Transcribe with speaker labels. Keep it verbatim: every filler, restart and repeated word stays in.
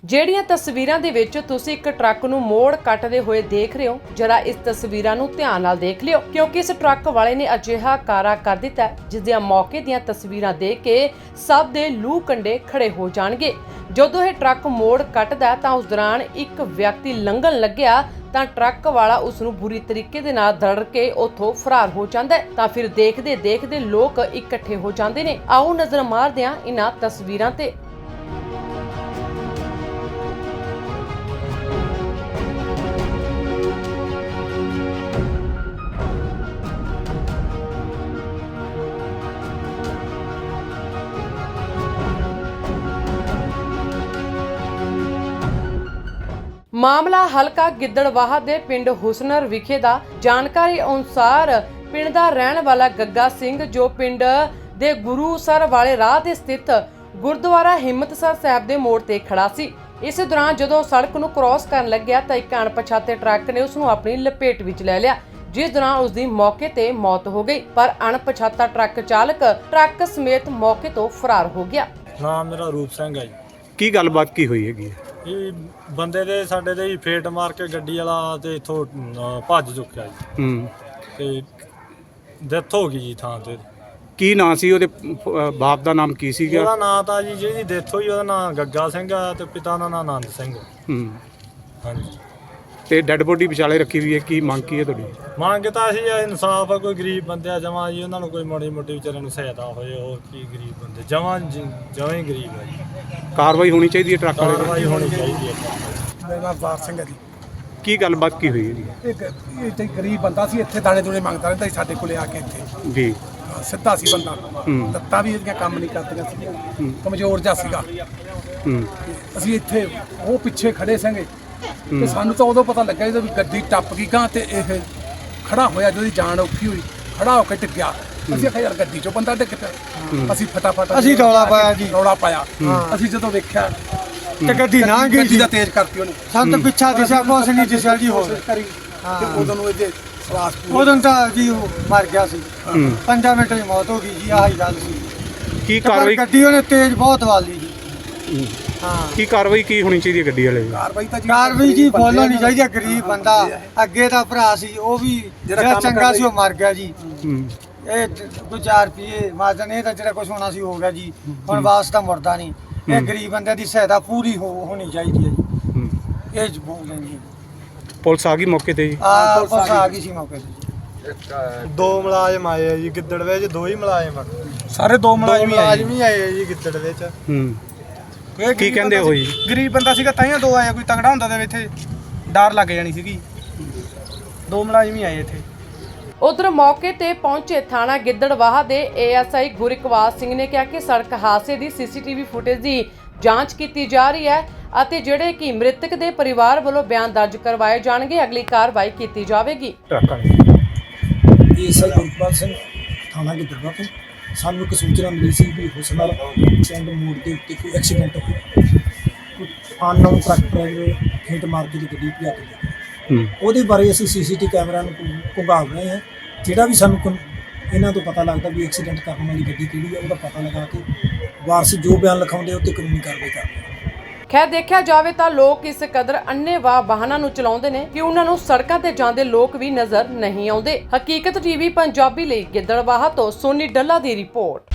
Speaker 1: ਜਿਹੜੀਆਂ ਤਸਵੀਰਾਂ ਦੇ ਵਿੱਚ ਤੁਸੀਂ ਇੱਕ ਟਰੱਕ ਨੂੰ ਮੋੜ ਕੱਟਦੇ ਹੋਏ ਦੇਖ ਰਹੇ ਹੋ, ਜਰਾ ਇਸ ਤਸਵੀਰਾਂ ਨੂੰ ਧਿਆਨ ਨਾਲ ਦੇਖ ਲਿਓ, ਕਿਉਂਕਿ ਇਸ ਟਰੱਕ ਵਾਲੇ ਨੇ ਅਜਿਹਾ ਕਾਰਾ ਕਰ ਦਿੱਤਾ ਜਿਸ ਦੀਆਂ ਮੌਕੇ ਦੀਆਂ ਤਸਵੀਰਾਂ ਦੇਖ ਕੇ ਸਭ ਦੇ ਲੂ ਕੰਡੇ ਖੜੇ ਹੋ ਜਾਣਗੇ। ਜਦੋਂ ਇਹ ਟਰੱਕ ਮੋੜ ਕੱਟਦਾ ਤਾਂ ਉਸ ਦੌਰਾਨ ਇੱਕ ਵਿਅਕਤੀ ਲੰਘਣ ਲੱਗਿਆ ਤਾਂ ਟਰੱਕ ਵਾਲਾ ਉਸ ਨੂੰ ਬੁਰੀ ਤਰੀਕੇ ਦੇ ਨਾਲ ਦਰੜ ਕੇ ਉੱਥੋਂ ਫਰਾਰ ਹੋ ਜਾਂਦਾ ਹੈ। ਤਾਂ ਫਿਰ ਦੇਖਦੇ ਦੇਖਦੇ ਲੋਕ ਇਕੱਠੇ ਹੋ ਜਾਂਦੇ ਨੇ। ਆਓ ਨਜ਼ਰ ਮਾਰਦੇ ਹਾਂ ਇਹਨਾਂ ਤਸਵੀਰਾਂ ਤੇ। ਮਾਮਲਾ ਹਲਕਾ ਗਿੱਦੜਵਾਹਾ ਦੇ ਪਿੰਡ ਹੁਸਨਰ ਵਿਖੇ ਦਾ। ਜਾਣਕਾਰੀ ਅਨੁਸਾਰ ਪਿੰਡ ਦਾ ਰਹਿਣ ਵਾਲਾ ਗੱਗਾ ਸਿੰਘ, ਜੋ ਪਿੰਡ ਦੇ ਗੁਰੂਸਰ ਵਾਲੇ ਰਾਹ ਤੇ ਸਥਿਤ ਗੁਰਦੁਆਰਾ ਹਿੰਮਤਸਰ ਸਾਹਿਬ ਦੇ ਮੋੜ ਤੇ ਖੜਾ ਸੀ। ਇਸ ਦੌਰਾਨ ਜਦੋਂ ਸੜਕ ਨੂੰ ਕ੍ਰਾਸ ਕਰਨ ਲੱਗਿਆ ਤਾਂ ਇੱਕ ਅਣਪਛਾਤੇ ਟਰੱਕ ਨੇ ਉਸ ਨੂੰ ਆਪਣੀ ਲਪੇਟ ਵਿੱਚ ਲੈ ਲਿਆ, ਜਿਸ ਦੌਰਾਨ ਉਸ ਦੀ ਮੌਕੇ ਤੇ ਮੌਤ ਹੋ ਗਈ। ਪਰ ਅਣਪਛਾਤਾ ਟਰੱਕ ਚਾਲਕ ਟਰੱਕ ਸਮੇਤ ਮੌਕੇ ਤੋਂ ਫਰਾਰ ਹੋ ਗਿਆ।
Speaker 2: ਨਾਮ ਮੇਰਾ ਰੂਪ ਸਿੰਘ ਹੈ ਜੀ।
Speaker 3: ਕੀ ਗੱਲਬਾਤ ਕੀ ਹੋਈ ਹੈਗੀ?
Speaker 2: ਇਹ ਬੰਦੇ ਦੇ ਸਾਡੇ ਦੇ ਹੀ ਫੇਟ ਮਾਰ ਕੇ ਗੱਡੀ ਵਾਲਾ ਤੇ ਇਥੋਂ ਭੱਜ ਚੁੱਕਿਆ ਜੀ।
Speaker 3: ਹੂੰ
Speaker 2: ਤੇ ਡੈਥ ਹੋ ਗਈ ਜੀ ਥਾਂ ਤੇ।
Speaker 3: ਕੀ ਨਾਂ ਸੀ ਉਹਦੇ? ਅਹ ਬਾਪ ਦਾ ਨਾਮ ਕੀ ਸੀਗਾ?
Speaker 2: ਉਹਦਾ ਨਾਂ ਤਾਂ ਜੀ ਜਿਹਦੀ ਡੈਥ ਹੋਈ ਉਹਦਾ ਨਾਂ ਗੱਗਾ ਸਿੰਘ ਆ ਤੇ ਪਿਤਾ ਦਾ ਨਾਂ ਆਨੰਦ ਸਿੰਘ।
Speaker 3: ਹੂੰ
Speaker 2: ਹਾਂਜੀ।
Speaker 3: ਤੇ ਡੈੱਡ ਬੋਡੀ ਵਿਚਾਲੇ ਰੱਖੀ ਹੋਈ ਹੈ, ਕੀ ਮੰਗ ਕੀ ਹੈ ਤੁਹਾਡੀ?
Speaker 2: ਮੰਗ ਤਾਂ ਅਸੀਂ ਇਨਸਾਫ ਆ, ਕੋਈ ਗਰੀਬ ਬੰਦੇ ਆ ਜਮਾਂ ਜੀ, ਉਹਨਾਂ ਨੂੰ ਕੋਈ ਮਾੜੀ ਮੋਟੀ ਵਿਚਾਰਿਆਂ ਨੂੰ ਸਹਾਇਤਾ ਹੋਏ। ਹੋਰ ਕੀ ਗਰੀਬ ਬੰਦੇ ਜਮਾਂ ਜਮਾਂ ਹੀ ਗਰੀਬ ਆ ਜੀ।
Speaker 3: ਕਾਰਵਾਈ ਹੋਣੀ ਚਾਹੀਦੀ ਹੈ ਟਰੱਕ ਵਾਲੇ ਦੀ।
Speaker 2: ਕਾਰਵਾਈ ਹੋਣੀ ਚਾਹੀਦੀ ਹੈ।
Speaker 4: ਮੇਰਾ ਨਾਮ ਬਾਰ ਸਿੰਘ ਹੈ ਜੀ।
Speaker 3: ਕੀ ਗੱਲਬਾਤ ਕੀ ਹੋਈ ਹੈ ਜੀ?
Speaker 4: ਇੱਕ ਇੱਥੇ ਗਰੀਬ ਬੰਦਾ ਸੀ, ਇੱਥੇ ਦਾਣੇ ਦੂਣੇ ਮੰਗਦਾ ਰਹਿੰਦਾ ਸੀ ਸਾਡੇ ਕੋਲੇ ਆ ਕੇ ਇੱਥੇ।
Speaker 3: ਜੀ
Speaker 4: ਹਾਂ, ਸਿੱਧਾ ਸੀ ਬੰਦਾ।
Speaker 3: ਹੂੰ।
Speaker 4: ਲੱਤਾਂ ਵੀ ਇਹਦੀਆਂ ਕੰਮ ਨਹੀਂ ਕਰਦੀਆਂ ਸੀਗੀਆਂ,
Speaker 3: ਹੂੰ।
Speaker 4: ਕਮਜ਼ੋਰ ਜਿਹਾ ਸੀਗਾ।
Speaker 3: ਹੂੰ
Speaker 4: ਅਸੀਂ ਇੱਥੇ ਉਹ ਪਿੱਛੇ ਖੜੇ ਸਾਂਗੇ ਤੇ ਸਾਨੂੰ ਤਾਂ ਉਦੋਂ ਪਤਾ ਲੱਗਾ ਜਦੋਂ ਵੀ ਗੱਡੀ ਟੱਪ ਗਈ ਗਾਂ ਤੇ ਇਹ ਖੜਾ ਹੋਇਆ, ਜਦੋਂ ਜਾਨ ਔਖੀ ਹੋਈ ਖੜਾ ਹੋ ਕੇ ਟਿਕਿਆ। ਅਸੀਂ ਆਖਿਆ ਯਾਰ ਗੱਡੀ ਚੋਂ ਬੰਦਾ ਡਿੱਗ ਪਿਆ। ਅਸੀਂ ਫਟਾਫਟ
Speaker 5: ਅਸੀਂ ਰੌਲਾ ਪਾਇਆ ਜੀ।
Speaker 4: ਰੌਲਾ ਪਾਇਆ। ਅਸੀਂ ਜਦੋਂ ਵੇਖਿਆ
Speaker 5: ਤੇ ਗੱਡੀ ਨਾ ਗਈ
Speaker 4: ਗੱਡੀ
Speaker 5: ਜੀ।
Speaker 4: ਦਾ ਤੇਜ਼ ਕਰਤੀ ਉਹਨੇ।
Speaker 5: ਸਾਨੂੰ ਤਾਂ ਪਿੱਛਾ ਦਿਸਿਆ, ਕੁਛ ਨਹੀਂ ਦਿਸਿਆ ਜੀ। ਹੋਰ
Speaker 4: ਕਰੀ ਤੇ ਉਦੋਂ ਨੂੰ ਇਹਦੇ ਸਵਾਸ ਪੂਰੇ
Speaker 5: ਉਦੋਂ ਤਾਂ ਜੀ ਉਹ ਮਰ ਗਿਆ ਸੀ।
Speaker 3: ਹੂੰ।
Speaker 5: ਪੰਜਾਂ ਮਿੰਟਾਂ ਦੀ ਮੌਤ ਹੋ ਗਈ ਜੀ। ਆਹੀ ਗੱਲ ਸੀ।
Speaker 3: ਕੀ
Speaker 5: ਤੇ ਪਰ
Speaker 3: ਕਾਰਵਾਈ
Speaker 5: ਗੱਡੀ ਉਹਨੇ ਤੇਜ਼ ਬਹੁਤ ਵਾਲੀ ਜੀ।
Speaker 3: ਹੂੰ।
Speaker 5: ਹਾਂ,
Speaker 3: ਕੀ ਕਾਰਵਾਈ ਕੀ ਹੋਣੀ ਚਾਹੀਦੀ ਹੈ ਗੱਡੀ ਵਾਲੇ ਦੀ?
Speaker 4: ਕਾਰਵਾਈ ਤਾਂ ਜੀ
Speaker 5: ਕਾਰਵਾਈ ਜੀ ਫੁੱਲ ਹੋਣੀ ਚਾਹੀਦੀ ਹੈ। ਗਰੀਬ ਬੰਦਾ ਅੱਗੇ ਦਾ ਭਰਾ ਸੀ, ਉਹ ਵੀ
Speaker 4: ਜਿਹੜਾ
Speaker 5: ਜਿਹੜਾ
Speaker 4: ਕੰਮ
Speaker 5: ਚੰਗਾ
Speaker 4: ਕਰਦਾ
Speaker 5: ਸੀ ਉਹ ਮਰ ਗਿਆ ਜੀ।
Speaker 3: ਹੂੰ
Speaker 5: ਇਹ ਕੋਈ ਚਾਰ ਰੁਪਏ ਮਾਜਨ, ਇਹ ਤਾਂ ਜਿਹੜਾ ਕੁਝ ਹੋਣਾ ਸੀ ਹੋ ਗਿਆ ਜੀ। ਹੁਣ ਵਾਸਤਾ ਮੁਰਦਾ ਨਹੀਂ। ਇਹ ਗਰੀਬ ਬੰਦੇ ਦੀ ਸਹਾਇਤਾ ਪੂਰੀ ਹੋ ਹੋਣੀ ਚਾਹੀਦੀ ਹੈ ਜੀ।
Speaker 3: ਹੂੰ।
Speaker 5: ਇਹ ਜ ਬੋਲ ਲੈਂਦੀ
Speaker 3: ਪੁਲਿਸ ਆ ਗਈ ਮੌਕੇ ਤੇ ਜੀ?
Speaker 5: ਆ ਪੁਲਿਸ ਆ ਗਈ ਸੀ ਮੌਕੇ ਤੇ।
Speaker 2: ਦੋ ਮੁਲਾਜ਼ਮ ਆਏ ਆ ਜੀ ਗਿੱਦੜ ਵਿੱਚ। ਦੋ ਹੀ ਮੁਲਾਜ਼ਮ ਆ।
Speaker 4: ਸਾਰੇ ਦੋ ਮੁਲਾਜ਼ਮ ਹੀ ਆਏ।
Speaker 2: ਮੁਲਾਜ਼ਮ ਹੀ ਆਏ ਆ ਜੀ ਗਿੱਦੜ ਵਿੱਚ।
Speaker 3: ਹੂੰ। ਕੀ ਕਹਿੰਦੇ ਹੋ ਜੀ?
Speaker 6: ਗਰੀਬ ਬੰਦਾ ਸੀਗਾ ਤਾਈਆਂ ਦੋ ਆਇਆ, ਕੋਈ ਤਗੜਾ ਹੁੰਦਾ ਤੇ ਇੱਥੇ ਡਰ ਲੱਗ ਜਾਣੀ ਸੀਗੀ। ਦੋ ਮੁਲਾਜ਼ਮ ਹੀ ਆਏ ਇੱਥੇ।
Speaker 1: ਉਧਰ ਮੌਕੇ ਤੇ ਪਹੁੰਚੇ ਥਾਣਾ ਗਿੱਦੜਵਾਹਾ ਦੇ A S I Gurikbal Singh ਨੇ ਕਿਹਾ ਕਿ ਸੜਕ ਹਾਦਸੇ ਦੀ ਸੀ ਸੀ ਟੀ ਵੀ ਫੁਟੇਜ ਦੀ ਜਾਂਚ ਕੀਤੀ ਜਾ ਰਹੀ ਹੈ ਅਤੇ ਜਿਹੜੇ ਕਿ ਮ੍ਰਿਤਕ ਦੇ ਪਰਿਵਾਰ ਵੱਲੋਂ ਬਿਆਨ ਦਰਜ ਕਰਵਾਏ ਜਾਣਗੇ। ਅਗਲੀ ਕਾਰਵਾਈ ਕੀਤੀ ਜਾਵੇਗੀ।
Speaker 3: ਟਰੱਕ ਵਾਲੇ
Speaker 7: ਏਐਸ ਆਈ ਗੁਰਪਾਲ ਸਿੰਘ ਥਾਣਾ ਗਿੱਦੜਬਾਹਾ ਤੋਂ ਸਾਨੂੰ ਇੱਕ ਸੂਚਨਾ ਮਿਲੀ ਸੀ ਵੀ ਹੁਸਨਰ ਪਿੰਡ ਮੋੜ ਦੇ ਉੱਤੇ ਕੋਈ ਐਕਸੀਡੈਂਟ ਹੋਇਆ। ਅਨਨੋਨ ਟਰੱਕ ਡਰਾਈਵਰ ਹਿੱਟ ਮਾਰ ਕੇ ਗੱਡੀ ਭਜਾ ਕੇ ਲੈ ਗਿਆ।
Speaker 3: ਹੂੰ।
Speaker 7: ਉਹਦੇ ਬਾਰੇ ਅਸੀਂ ਸੀਸੀਟੀ ਕੈਮਰਾ ਨੂੰ ਘੁੰਗਾਵ ਰਹੇ ਹਾਂ। ਜਿਹੜਾ ਵੀ ਸਾਨੂੰ ਕੋਈ ਇਹਨਾਂ ਤੋਂ ਪਤਾ ਲੱਗਦਾ ਵੀ ਐਕਸੀਡੈਂਟ ਕਰਨ ਵਾਲੀ ਗੱਡੀ ਕਿਹੜੀ ਹੈ, ਉਹਦਾ ਪਤਾ ਲਗਾ ਕੇ ਵਾਰਸ ਜੋ ਬਿਆਨ ਲਿਖਾਉਂਦੇ ਉਹ 'ਤੇ ਕਾਨੂੰਨੀ ਕਾਰਵਾਈ ਕਰਦੇ ਹਾਂ।
Speaker 1: ਖੈਰ ਦੇਖਿਆ ਜਾਵੇ ਤਾਂ ਲੋਕ ਇਸ ਕਦਰ ਅੰਨ੍ਹੇਵਾਹ ਵਾਹਨਾਂ ਨੂੰ ਚਲਾਉਂਦੇ ਨੇ ਕਿ ਉਹਨਾਂ ਨੂੰ ਸੜਕਾਂ ਤੇ ਜਾਂਦੇ ਲੋਕ ਵੀ ਨਜ਼ਰ ਨਹੀਂ ਆਉਂਦੇ। ਹਕੀਕਤ ਟੀਵੀ ਪੰਜਾਬੀ ਲਈ ਗਿੱਦੜਵਾਹਾ ਤੋਂ ਸੋਨੀ ਡੱਲਾ ਦੀ ਰਿਪੋਰਟ।